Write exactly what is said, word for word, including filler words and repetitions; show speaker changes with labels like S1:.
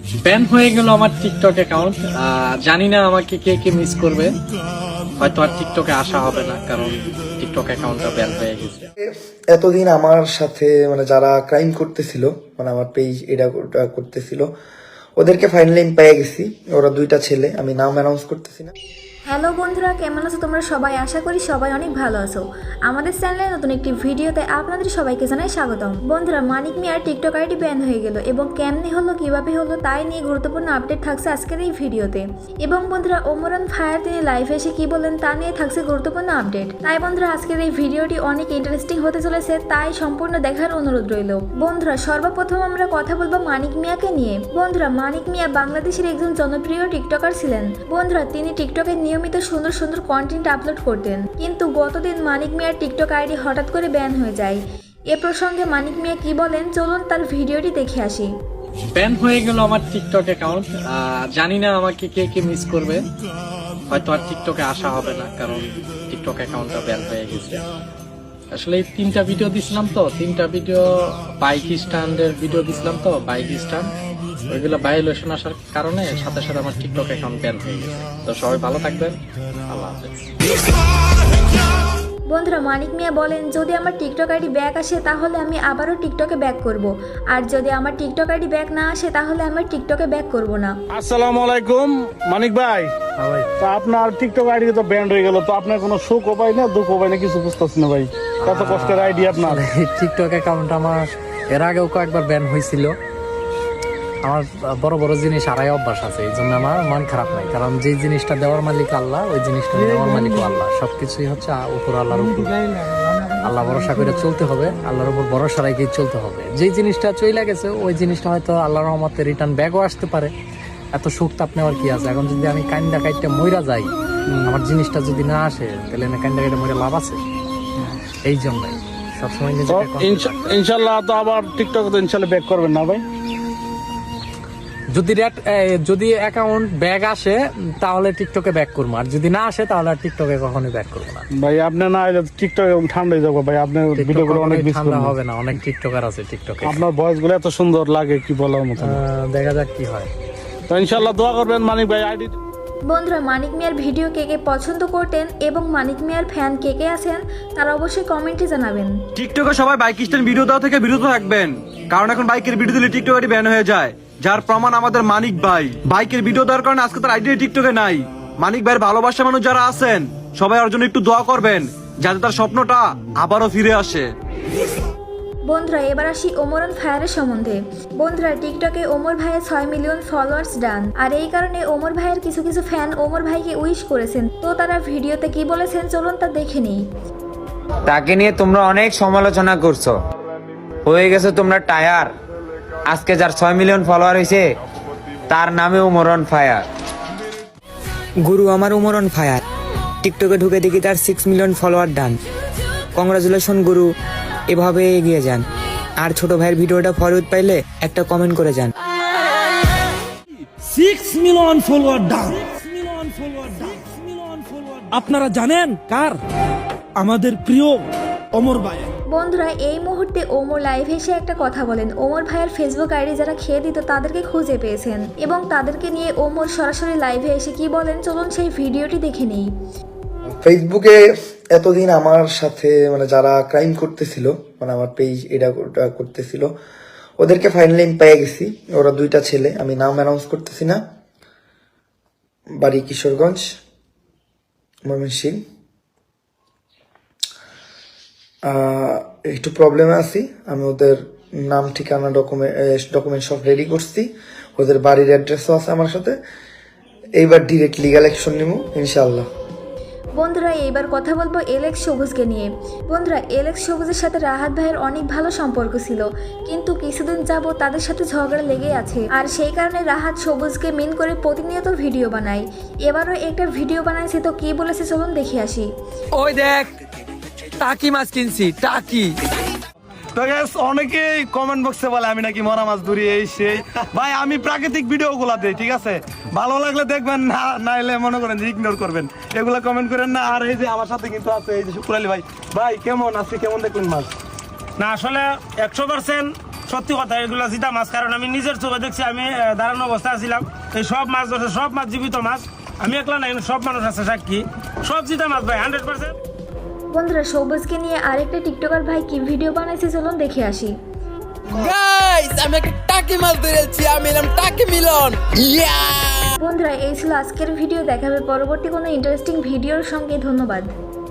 S1: Ban হয়ে গেল আমার টিকটক অ্যাকাউন্ট। জানি না আমাকে কে কে মিস করবে, হয়তো আর টিকটকে আসা হবে না, কারণ টিকটক অ্যাকাউন্টটা ব্যান হয়ে গেছে।
S2: এতদিন আমার সাথে মানে যারা ক্রাইম করতেছিল, মানে আমার পেজ এটা ওটা করতেছিল, ওদেরকে ফাইনালি আমি পেয়ে গেছি। ওরা দুইটা ছেলে, আমি নাম অ্যানাউন্স করতেছি না।
S3: হ্যালো বন্ধুরা, কেমন আছো তোমরা সবাই? আশা করি সবাই অনেক ভালো আছো। আমাদের চ্যানেলে নতুন একটি ভিডিওতে আপনাদের সবাইকে জানাই স্বাগতম। বন্ধুরা, মানিক মিয়ার টিকটক আইডি ব্যান হয়ে গেল এবং কেমনি হলো, কিভাবে হলো, তাই নিয়ে গুরুত্বপূর্ণ আপডেট থাকছে আজকের এই ভিডিওতে। এবং বন্ধুরা, ওমরান ফায়ার তিনি লাইভে এসে কি বলেন তা নিয়ে থাকছে গুরুত্বপূর্ণ আপডেট। তাই বন্ধুরা, আজকের এই ভিডিওটি অনেক ইন্টারেস্টিং হতে চলেছে, তাই সম্পূর্ণ দেখার অনুরোধ রইল। বন্ধুরা, সর্বপ্রথম আমরা কথা বলবো মানিক মিয়াকে নিয়ে। বন্ধুরা, মানিক মিয়া বাংলাদেশের একজন জনপ্রিয় টিকটকার ছিলেন। বন্ধুরা, তিনি টিকটকে নিয়মিত সুন্দর সুন্দর কন্টেন্ট আপলোড করতেন, কিন্তু গতদিন মানিক মিয়ার টিকটক আইডি হঠাৎ করে ব্যান হয়ে যায়। এ প্রসঙ্গে মানিক মিয়া কি বলেন, চলুন তার ভিডিওটি দেখে আসি।
S1: ব্যান হয়ে গেল আমার টিকটক অ্যাকাউন্ট। জানি না আমাকে কে কে মিস করবে, হয়তো আর টিকটকে আসা হবে না, কারণ টিকটক অ্যাকাউন্টটা ব্যান হয়ে গেছে। আসলে এই তিনটা ভিডিও দিছিলাম তো, তিনটা ভিডিও বাইক স্ট্যান্ডের ভিডিও দিছিলাম তো, বাইক স্ট্যান্ড ওইগুলো ভায়োলেশন আসার কারণে সাথে সাথে আমার টিকটক অ্যাকাউন্ট ব্যান হয়ে গেছে। তো সবাই ভালো থাকবেন, আল্লাহ হাফেজ।
S3: বন্ধুরা, মানিক মিয়া বলেন, যদি আমার টিকটক আইডি ব্যাক আসে তাহলে আমি আবারও টিকটকে ব্যাক করব, আর যদি আমার টিকটক আইডি ব্যাক না আসে তাহলে আমি টিকটকে ব্যাক করব না।
S4: আসসালামু আলাইকুম মানিক ভাই। তো আপনার টিকটক আইডি তো ব্যান হয়ে গেল, তো আপনার কোনো সুখ পাই না, দুঃখ পাই না, কিছু বুঝতেছি না ভাই। কত কষ্টের আইডি আপনার।
S5: টিকটক অ্যাকাউন্ট আমার এর আগেও কয়েকবার ব্যান হয়েছিল। আমার বড় বড় জিনিস আড়াই অভ্যাস আছে, এই জন্য আমার মন খারাপ নাই, কারণ যে জিনিসটা দেওয়ার মালিক আল্লাহ, ওই জিনিসটা দেওয়ার মালিকও আল্লাহ। সবকিছুই হচ্ছে উপর আল্লাহর উপর, আল্লাহ ভরসা করে চলতে হবে, আল্লাহর উপর ভরসা রেখেই চলতে হবে। যেই জিনিসটা চলে গেছে ওই জিনিসটা হয়তো আল্লাহর রহমতে রিটার্ন ব্যাকও আসতে পারে। এত সুখ তাপ নেওয়ার কি আছে? এখন যদি আমি কান্দা কাইটটা মইরা যাই, আমার জিনিসটা যদি না আসে, তাহলে না কান্দা কাইটে মরে লাভ আছে? এই জন্যই সবসময় নিজেকে
S4: ইনশাল্লাহ তো আবার টিকটক তো ইনশাল্লাহ ব্যাক করবেন না ভাই?
S5: যদি যদি অ্যাকাউন্ট ব্যাক আসে তাহলে টিকটকে ব্যাক করবো, আর যদি না আসে তাহলে আর টিকটকে কখনোই ব্যাক করবো না
S4: ভাই। আপনি না এলে টিকটক ঠান্ডা হয়ে যাবো ভাই। আপনার ভিডিও গুলো অনেক
S5: ঠান্ডা হবে না, অনেক টিকটকার আছে টিকটকে।
S4: আপনার ভয়েস গুলো এত সুন্দর লাগে, কি বলার মতো।
S5: দেখা যাক কি হয়।
S4: তো ইনশাল্লাহ দোয়া করবেন মানিক ভাই। আইডি
S3: বন্ধুরা, মানিক মিয়ার ভিডিও কে কে পছন্দ করতেন এবং মানিক মিয়ার ফ্যান কে কে আছেন তারা অবশ্যই কমেন্টে জানাবেন।
S6: টিকটকে সবাই বাইক স্ট্যান্ড ভিডিও দেওয়া থেকে বিরত থাকবেন, কারণ এখন বাইকের ভিডিও দিলে টিকটক আইডি ব্যান হয়ে যায়, যার প্রমাণ আমাদের মানিক ভাই। বাইকের ভিডিও দেওয়ার কারণে আজকে তার আইডি টিকটকে নাই। মানিক ভাইয়ের ভালোবাসা মানুষ যারা আছেন সবাই ওর জন্য একটু দোয়া করবেন, যাতে তার স্বপ্নটা আবারও ফিরে আসে।
S3: বন্ধুরা, এবার আসি ওমরান ফায়ারের সম্বন্ধে। বন্ধুরা, টিকটকে ওমর ভাইয়ের ছয় মিলিয়ন ফলোয়ার্স ডান, আর এই কারণে ওমর ভাইয়ের কিছু কিছু ফ্যান ওমর ভাইকে উইশ করেছেন। তো তারা ভিডিওতে কি বলেছেন চলুন তা দেখে নিই।
S7: তাকে নিয়ে তোমরা অনেক সমালোচনা করছো, হয়ে গেছে তোমরা টায়ার। আজকে যার ছয় মিলিয়ন ফলোয়ার হয়েছে তার নামে ওমরান ফায়ার। গুরু আমার ওমরান ফায়ার, টিকটকে ঢুকে দেখি তার six million follower done. Congratulation গুরু, এভাবে এগিয়ে যান। আর ছোট ভাইয়ের ভিডিওটা ফরওয়ার্ড পাইলে একটা কমেন্ট করে যান।
S8: Six million follower done. আপনারা জানেন কার? আমাদের প্রিয় ওমর ভাই।
S3: বন্ধুরা, এই মুহূর্তে ওমর লাইভ এসে একটা কথা বলেন। ওমর ভাইয়ের ফেসবুক আইডি যারা খেয়ে দিত তাদেরকে খুঁজে পেয়েছেন এবং তাদেরকে নিয়ে ওমর সরাসরি লাইভে এসে কি বলেন চলুন সেই ভিডিওটি দেখে নিই।
S2: ফেসবুকে এতদিন আমার সাথে মানে যারা ক্রাইম করতেছিল, মানে আমার পেজ এটা ওটা করতেছিল, ওদেরকে ফাইনালি আমি পেয়ে গেছি। ওরা দুইটা ছেলে, আমি নাম অ্যানাউন্স করতেছি না। বাড়ি কিশোরগঞ্জ, ময়মনসিংহ। একটু প্রবলেমে আছি, আমি ওদের নাম ঠিকানা ডকুমেন্ট ডকুমেন্ট সব রেডি করছি, ওদের বাড়ির অ্যাড্রেসও আছে আমার সাথে। এইবার ডিরেক্ট লিগাল অ্যাকশন নিব ইনশাআল্লাহ।
S3: বন্ধুরা, এইবার কথা বলবো এলেক্স সবুজকে নিয়ে। বন্ধুরা, এলেক্স সবুজের সাথে রাহাত ভাইয়ের অনেক ভালো সম্পর্ক ছিল, কিন্তু কিছুদিন যাবত তাদের সাথে ঝগড়া লেগে আছে, আর সেই কারণে রাহাত সবুজকে মিন করে প্রতিনিয়ত ভিডিও বানায়। এবারও একটা ভিডিও বানাইছে, তো কি বলেছে চলুন দেখে আসি।
S7: ওই দেখ, টাকি মাছ কিনছি, টাকি।
S6: তো গাইস, অনেকেই কমেন্ট বক্সে বলে আমি নাকি মরা মাছ ধরি, এই সেই। ভাই, আমি প্রাকৃতিক ভিডিও গুলা দেই, ঠিক আছে? ভালো লাগলে দেখবেন, না নাইলে মনে করেন যে ইগনোর করবেন। এগুলা কমেন্ট করেন না। আর এই যে আমার সাথে কিন্তু আছে এই যে শুক্র আলী ভাই। ভাই কেমন আছি, কেমন দেখলেন মাছ?
S4: না আসলে একশো পার্সেন্ট
S9: সত্যি কথা এগুলো জিতা মাছ, কারণ আমি নিজের চোখে দেখছি। আমি আহ, দাঁড়ানো অবস্থায় ছিলাম, এই সব মাছ ধরছে, সব মাছ জীবিত মাছ। আমি একলা নাই, সব মানুষ আছে সাক্ষী, সব জিতা মাছ ভাই, হান্ড্রেড পার্সেন্ট।
S3: বন্ধুরা সবুজকে নিয়ে আরেকটা টিকটকার ভাই কি ভিডিও বানাইছে চলুন দেখে আসি।
S10: গাইস আমি একটা টাকি মাছ ধরেছি, আমি এলাম টাকি মিলন। ইয়া
S3: বন্ধুরা এই ছিল আজকের ভিডিও, দেখাবে পরবর্তী কোনো ইন্টারেস্টিং ভিডিওর সঙ্গে। ধন্যবাদ।